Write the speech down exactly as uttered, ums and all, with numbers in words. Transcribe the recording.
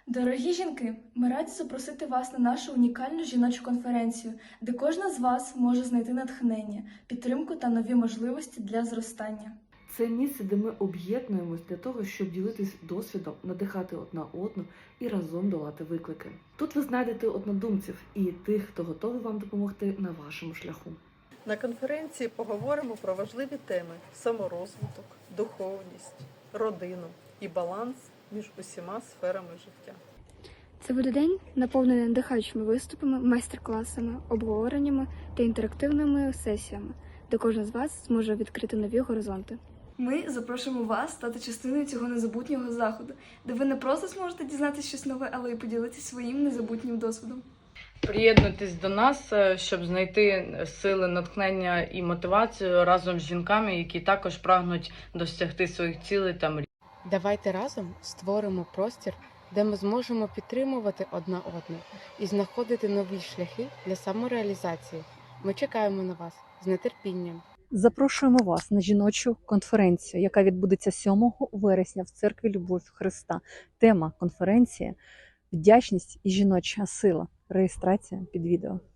Дорогі жінки, ми раді запросити вас на нашу унікальну жіночу конференцію, де кожна з вас може знайти натхнення, підтримку та нові можливості для зростання. Це місце, де ми об'єднуємось для того, щоб ділитись досвідом, надихати одна одну і разом долати виклики. Тут ви знайдете однодумців і тих, хто готовий вам допомогти на вашому шляху. На конференції поговоримо про важливі теми – саморозвиток, духовність, родину і баланс між усіма сферами життя. Це буде день, наповнений надихаючими виступами, майстер-класами, обговореннями та інтерактивними сесіями, де кожен з вас зможе відкрити нові горизонти. Ми запрошуємо вас стати частиною цього незабутнього заходу, де ви не просто зможете дізнатися щось нове, але й поділитися своїм незабутнім досвідом. Приєднуйтесь до нас, щоб знайти сили, натхнення і мотивацію разом з жінками, які також прагнуть досягти своїх цілей та мрій. Давайте разом створимо простір, де ми зможемо підтримувати одна одну і знаходити нові шляхи для самореалізації. Ми чекаємо на вас з нетерпінням. Запрошуємо вас на жіночу конференцію, яка відбудеться сьомого вересня в церкві Любов Христа. Тема конференції – вдячність і жіноча сила. Реєстрація під відео.